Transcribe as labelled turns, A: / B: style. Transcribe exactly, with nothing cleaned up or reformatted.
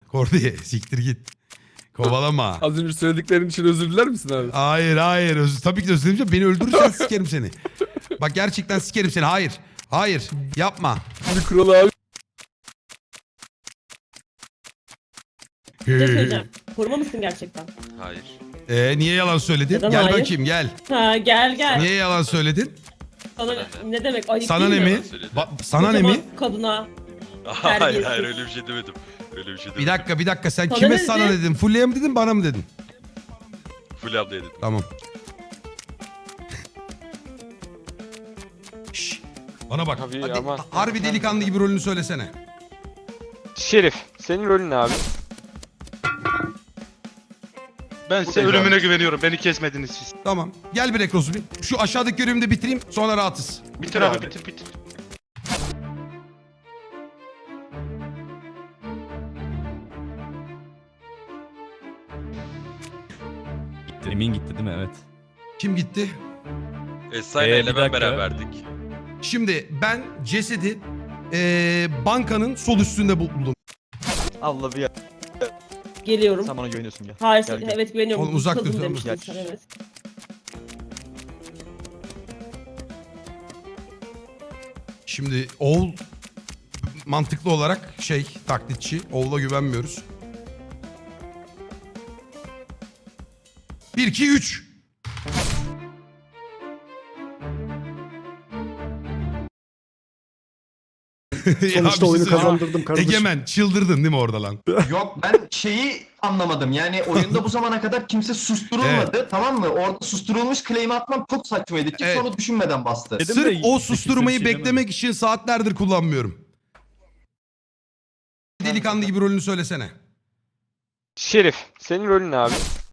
A: Kordiye siktir git. Kovalama.
B: Az önce söylediklerin için özür diler misin abi?
A: Hayır hayır. Öz tabii ki de özür dilemeyeceğim. Beni öldürürsen sikerim seni. Bak gerçekten sikerim seni. Hayır. Hayır. Yapma.
B: Bir kuralı abi.
C: Bir şey söyleyeceğim. Koruma mısın gerçekten?
D: Hayır.
A: Ee, niye yalan söyledin?
C: Neden
A: Gel
C: hayır?
A: bakayım gel.
C: Ha gel gel.
A: Niye yalan söyledin?
C: Sana ne demek ayıp
A: Sana ne
C: değil
A: mi? Ba- sana ne mi?
C: Kocaman kadına.
D: Hayır
C: Terbiyesiz.
D: hayır öyle bir şey demedim. Öyle bir şey demedim.
A: Bir dakika bir dakika sen
C: Sana
A: kime
C: ne
A: sana
C: dedi?
A: dedin? Fulya'ya mı dedin bana mı dedin?
D: Full abla dedim.
A: Tamam. Şşş, bana bak.
E: Tabii
A: Hadi,
E: ama-
A: harbi delikanlı gibi rolünü söylesene.
E: Şerif, senin rolün ne abi?
F: Ben size
E: Buradayız
F: ölümüne
E: abi.
F: güveniyorum. Beni kesmediniz siz.
A: Tamam. Gel bir Ekrosu bir. Şu aşağıdaki görevimi de bitireyim sonra rahatız.
F: Bitir abi bitir bitir.
G: Emin gitti değil mi? Evet.
A: Kim gitti?
D: Esra
G: Ee,
D: ile
G: bir
D: ben
G: dakika.
D: beraberdik.
A: Şimdi ben cesedi eee, bankanın sol üstünde buldum.
H: Allah bir
C: Geliyorum.
H: sen bana güveniyorsun ya.
C: Hayır
H: Gel, gel.
C: evet güveniyorum.
A: Oğlum, uzak
C: Kadın
A: dur,
C: demiştin
H: gel.
C: sen, evet.
A: Şimdi oğul mantıklı olarak şey taklitçi. Oğula güvenmiyoruz. Bir, iki, üç.
B: Sonuçta oyunu kazandırdım kardeşim.
A: Egemen çıldırdın değil mi orada lan?
I: Yok ben şeyi anlamadım. Yani oyunda bu zamana kadar kimse susturulmadı. Tamam mı? Orada susturulmuş claim'i atmam çok saçmaydı. Kimse
A: Evet.
I: onu düşünmeden bastı.
G: Dedim
A: Sırf
G: de
A: o
G: kimse
A: susturmayı
G: bir şey
A: beklemek için saatlerdir kullanmıyorum. Delikanlı gibi rolünü söylesene.
E: Şerif, senin rolün ne abi?